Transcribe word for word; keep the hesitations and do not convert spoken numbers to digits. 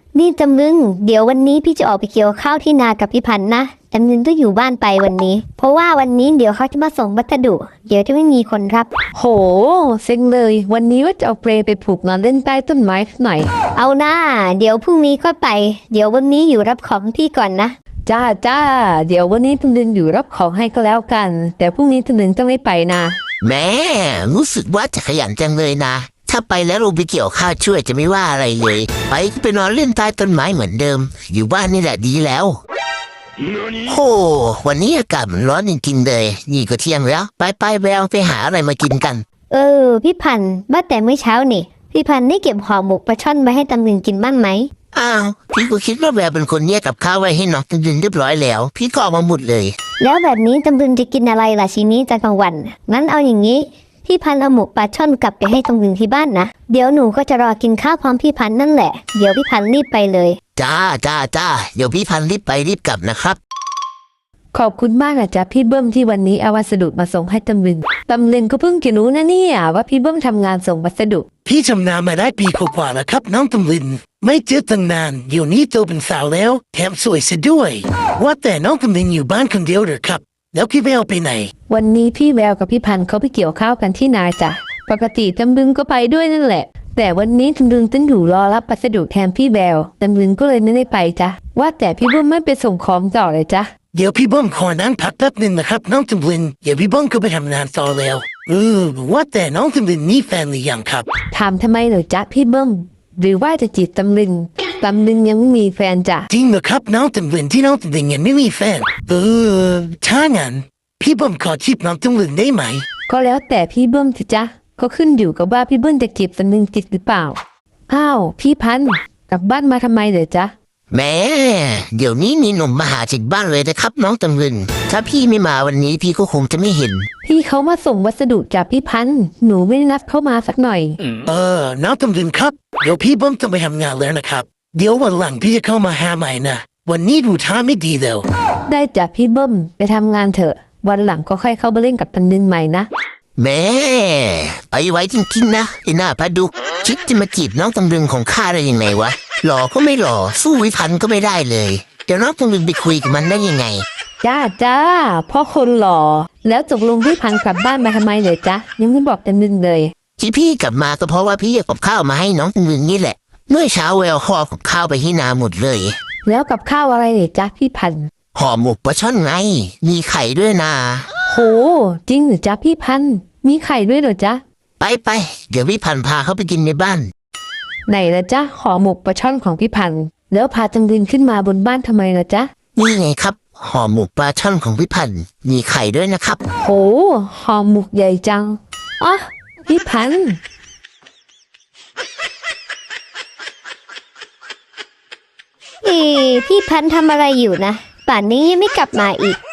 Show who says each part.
Speaker 1: นี่จำลึงเดี๋ยววันนี้พี่จะออกไปเกี่ยวข้าวที่นากับพี่พันธ์นะจำลึงต้องอยู่บ้านไปวันนี้เพราะว่าวันนี้เดี๋ยวเขาจะมาส่งวัสดุเดี๋ยวจะไม่มีคนรับ
Speaker 2: โหเซ็งเลยวันนี้ว่าจะเอาเปรไปผูกนอนเล่นใต้ต้นไม้หน่อย
Speaker 1: เอาหน้าเดี๋ยวพรุ่งนี้ก็ไปเดี๋ยววันนี้อยู่รับของพี่ก่อนนะ
Speaker 2: จ้าจ้าเดี๋ยววันนี้ตำลึงอยู่รับของให้ก็แล้วกันแต่พรุ่งนี้ตำลึงต้องไม่ไปนะ
Speaker 3: แม่รู้สึกว่าจะขยันจังเลยนะถ้าไปแล้วลงไปเกี่ยวข้าวช่วยจะไม่ว่าอะไรเลยไปก็ไปนอนเล่นใต้ต้นไม้เหมือนเดิมอยู่บ้านนี่แหละดีแล้วโอ้วันนี้อากาศมันร้อนจริงๆเลยนี่ก็เที่ยงแล้วไปไปแววไปหาอะไรมากินกัน
Speaker 1: เออพี่พันธ์ว่าแต่เมื่อเช้านี่พี่พันธ์ได้เก็บห่อหมกปลาช่อนไว้ให้ตำลึงกินบ้างไหม
Speaker 3: อ้าวพี่ก็คิดว่าแววเป็นคนแยกกับข้าวไว้ให้น้องตำลึงเรียบร้อยแล้วพี่ก็เอามาหมดเลย
Speaker 1: แล้วแบบนี้ตำลึงจะกินอะไรล่ะชีนี้จะกลางวันงั้นเอาอย่างนี้พี่พันธ์เอาหมกปลาช่อนกลับไปให้ตำลึงที่บ้านนะเดี๋ยวหนูก็จะรอกินข้าวพร้อมพี่พันธ์นั่นแหละเดี๋ยวพี่พันธ์รีบไปเลย
Speaker 3: จ้าจ้าจ้าเดี๋ยวพี่พันธ์รีบไปรีบกลับนะครับ
Speaker 2: ขอบคุณมากนะจ๊ะพี่เบิ้มที่วันนี้เอาวัสดุมาส่งให้ตำลึงตำลึงก็เพิ่งจะรู้นะเนี่ยว่าพี่เบิ้มทำงานส่งวัสดุ
Speaker 4: พี่ทำงานมาได้ปีกว่าแล้วครับน้องตำลึงไม่เจอตั้งนานอยู่นี้โตเป็นสาวแล้วแถมสวยซะด้วยว่าแต่น้องตำลึงอยู่บ้านคนเดียวหรือครับแล้วพี่แววไปไหน
Speaker 2: วันนี้พี่แววกับพี่พันธ์เขาไปเกี่ยวข้าวกันที่นาจ้ะปกติตำลึงก็ไปด้วยนั่นแหละแต่วันนี้ตำลึงต้องอยู่รอรับวัสดุแทนพี่แววตำลึงก็เลยไม่ได้ไปจ้ะว่าแต่พี่เบิ้มไม่ไปส่งของต่อเลยจ้ะ
Speaker 4: เดี๋ยวพี่เบิ้มขอนั่งพักแป๊บนึงนะครับน้องตำลึงเดี๋ยวพี่เบิ้มก็ไปทำงานต่อแล้วเออว่าแต่น้องตำลึงมีแฟนหรือยังครับ
Speaker 2: ถามทำไมเหรอจ๊ะพี่เบิ้มหรือว่าจะจีบตำลึงตำลึงยังไม่มีแฟนจ้ะ
Speaker 4: จริงเหรอครับน้องตำลึงที่น้องตำลึงยังไม่มีแฟนเออถ้างั้นพี่เบิ้มขอจีบน้องตำลึงได้ไหม
Speaker 2: ก็แล้วแต่พี่เบิ้มสิจ๊ะก็ขึ้นอยู่กับว่าพี่เบิ้มจะจีบตำลึงจิตหรือเปล่าอ้าวพี่พันธ์กลับบ้านมาทำไมเหรอจ๊ะ
Speaker 3: แม่เดี๋ยวนี้มีหนุ่มมาหาถึงบ้านเลยนะครับน้องตำลึงถ้าพี่ไม่มาวันนี้พี่ก็คงจะไม่เห็น
Speaker 2: พี่เขามาส่งวัสดุจากพี่พันธ์หนูไม่ได้นัดเข้ามาสักหน่อย
Speaker 4: เออน้องตำลึงครับเดี๋ยวพี่เบิ้มต้องไปทำงานแล้วนะครับเดี๋ยววันหลังพี่จะเข้ามาหาใหม่นะวันนี้ดูท่าไม่ดีแล้ว
Speaker 2: ได้จ้ะพี่เบิ้มไปทำงานเถอะวันหลังก็ค่อยเข้ามาเล่นกับตำลึงใหม่นะ
Speaker 3: แม่ไปไว้จริงๆนะไอ้หน้าพดุกคิดจะมาจีบน้องตำลึงของข้าได้ยังไงวะหล่อก็ไม่หล่อสู้วิพันธ์ก็ไม่ได้เลยเดี๋ยวน้องตำลึงไปคุยกับมันได้ยังไง
Speaker 2: จ้าจ้าพ่อคนหล่อแล้วตกลงพี่พันธ์กลับบ้านมาทำไมเลยจ๊ะยังไม่บอกตำลึงเลย
Speaker 3: ที่พี่กลับมาก็เพราะว่าพี่อยากกับข้าวมาให้น้องตำลึงนี่แหละเมื่อเช้าแววห่อกับข้าวไปที่นาหมดเลย
Speaker 2: แล้วกับข้าวอะไรเลยจ๊ะพี่พันธ์
Speaker 3: ห่อหมกปลาช่อนไงมีไข่ด้วยนะ
Speaker 2: โหจริงหรือจ๊ะพี่พันธ์มีไข่ด้วยเหรอจ๊ะ
Speaker 3: ไปไปเดี๋ยวพี่พันธ์พาเขาไปกินในบ้าน
Speaker 2: ไหนละจ๊ะห่อหมกปลาช่อนของพี่พันธ์แล้วพาตำลึงขึ้นมาบนบ้านทำไมล่ะจ๊ะ
Speaker 3: นี่ไงครับห่อหมกปลาช่อนของพี่พันธ์มีไข่ด้วยนะครับ
Speaker 2: โหห่อหมกใหญ่จังอ๋อพี่พันธ์
Speaker 1: เอ๊พี่พันธ์ทำอะไรอยู่นะป่านนี้ยังไม่กลับมาอีก